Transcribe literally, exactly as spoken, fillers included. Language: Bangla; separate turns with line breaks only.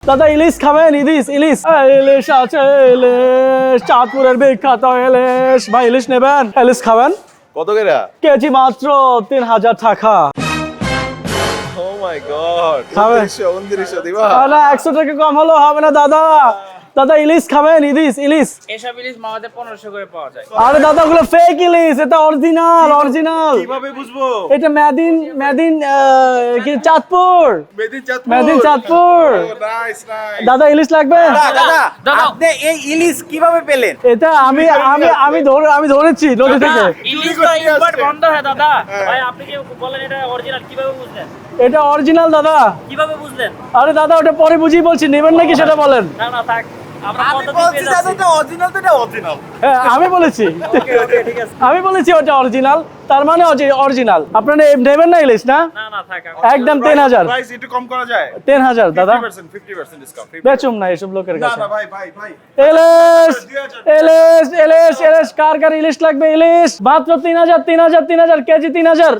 দাদা ইলিশ খাবেন? ইলিশ ইলিশ ইলিশ আছে, ইলিশ চাঁদপুরের বিখ্যাত ইলিশ। ভাই ইলিশ নেবেন? ইলিশ খাবেন?
কত করে?
কেজি মাত্র তিন হাজার টাকা।
ও মাই গড,
খাবেন?
উনত্রিশশো দিবা?
না, একশো টাকা কম হলেও হবে না দাদা। দাদা ইলিশ খাবেন? ইলিশ ইলিশ
এসব ইলিশ মামাতে পনেরোশো করে পাওয়া যায়।
আরে দাদা ওগুলো ফেক ইলিশ, এটা অরিজিনাল অরিজিনাল।
কিভাবে বুঝবো?
এটা মেদিন মেদিন আহ, কি Chandpur,
made in Chandpur.
Made in Chandpur.
Nice nice.
দাদা ইলিশ লাগবে?
দাদা আপনি এই ইলিশ কিভাবে পেলেন?
এটা আমি আমি আমি ধরে আমি ধরেছি নদী থেকে।
ইলিশ তো ইম্পোর্ট বন্ধ হয় দাদা। ভাই আপনি কি বলেন এটা অরিজিনাল, কিভাবে বুঝলেন?
এটা অরিজিনাল দাদা।
কিভাবে বুঝলেন?
আরে দাদা ওটা পরে বুঝিয়ে বলছি, নেবেন নাকি সেটা বলেন।
না না থাক, আমরা
আমি
কত
বলছি
দিতে
দাদা
যাচ্ছি?
এটা অরিজিনাল, তো এটা অরিজিনাল।
হ্যাঁ আমি বলেছি,
ওকে ওকে ঠিক আছে।
আমি বলেছি ওটা অরিজিনাল, তার মানে অরিজিনাল। আপনারা নেবেন না ইলিশ না?
না না থাক, আমরা-
একদম তিন হাজার
প্রাইস একটু কম করা যায়?
তিন হাজার দাদা।
পঞ্চাশ পার্সেন্ট পঞ্চাশ পার্সেন্ট ডিসকাউন্ট।
বেচুম না এসব লোকের
না
কাছে।
না ভাই ভাই ভাই।
ইলিশ ইলিশ ইলিশ ইলিশ কার কার ইলিশ লাগবে? ইলিশ মাত্র তিন হাজার তিন হাজার তিন হাজার কেজি তিন হাজার।